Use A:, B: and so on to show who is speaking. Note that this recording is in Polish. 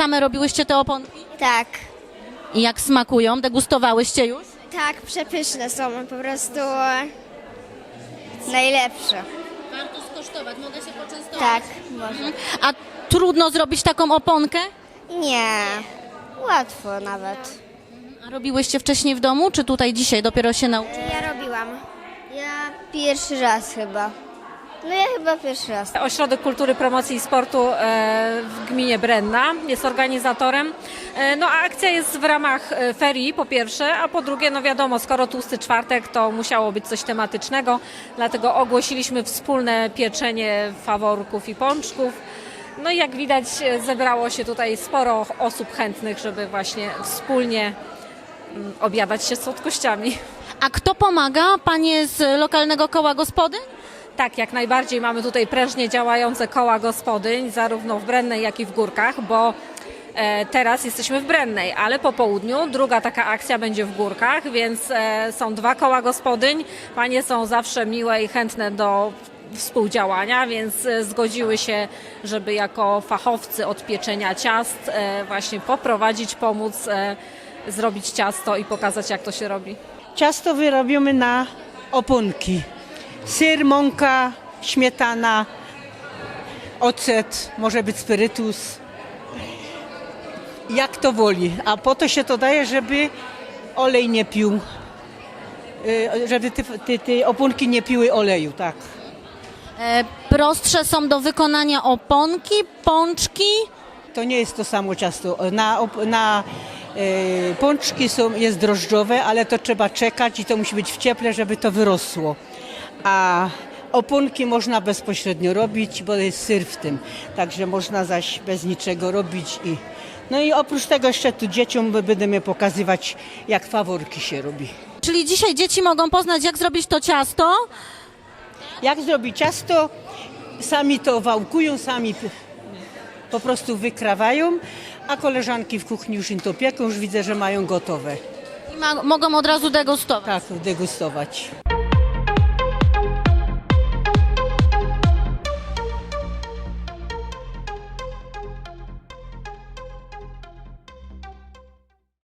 A: same robiłyście te oponki?
B: Tak.
A: I jak smakują? Degustowałyście już?
B: Tak, przepyszne są, po prostu najlepsze.
A: Warto skosztować, mogę się poczęstować?
B: Tak, może.
A: A trudno zrobić taką oponkę?
B: Nie, łatwo nawet.
A: A robiłyście wcześniej w domu, czy tutaj dzisiaj dopiero się nauczyłyście?
B: Ja robiłam. Ja pierwszy raz chyba. No ja chyba pierwszy raz.
C: Ośrodek Kultury, Promocji i Sportu w gminie Brenna jest organizatorem. No a akcja jest w ramach ferii po pierwsze, a po drugie, no wiadomo, skoro tłusty czwartek, to musiało być coś tematycznego, dlatego ogłosiliśmy wspólne pieczenie faworków i pączków. No i jak widać, zebrało się tutaj sporo osób chętnych, żeby właśnie wspólnie obiadać się słodkościami.
A: A kto pomaga? Panie z lokalnego koła gospodyń?
C: Tak, jak najbardziej mamy tutaj prężnie działające koła gospodyń, zarówno w Brennej, jak i w Górkach, bo teraz jesteśmy w Brennej, ale po południu druga taka akcja będzie w Górkach, więc są dwa koła gospodyń. Panie są zawsze miłe i chętne do współdziałania, więc zgodziły się, żeby jako fachowcy od pieczenia ciast właśnie poprowadzić, pomóc zrobić ciasto i pokazać, jak to się robi.
D: Ciasto wyrobimy na oponki. Syr, mąka, śmietana, ocet, może być spirytus. Jak to woli. A po to się to daje, żeby olej nie pił. Żeby te oponki nie piły oleju, tak.
A: Prostsze są do wykonania oponki, pączki.
D: To nie jest to samo ciasto. Na pączki jest drożdżowe, ale to trzeba czekać i to musi być w cieple, żeby to wyrosło. A oponki można bezpośrednio robić, bo jest syr w tym. Także można zaś bez niczego robić. No i oprócz tego jeszcze tu dzieciom będziemy pokazywać, jak faworki się robi.
A: Czyli dzisiaj dzieci mogą poznać, jak zrobić to ciasto.
D: Jak zrobić ciasto, sami to wałkują, sami po prostu wykrawają, a koleżanki w kuchni już im to pieką, już widzę, że mają gotowe.
A: I mogą od razu degustować.
D: Tak, degustować.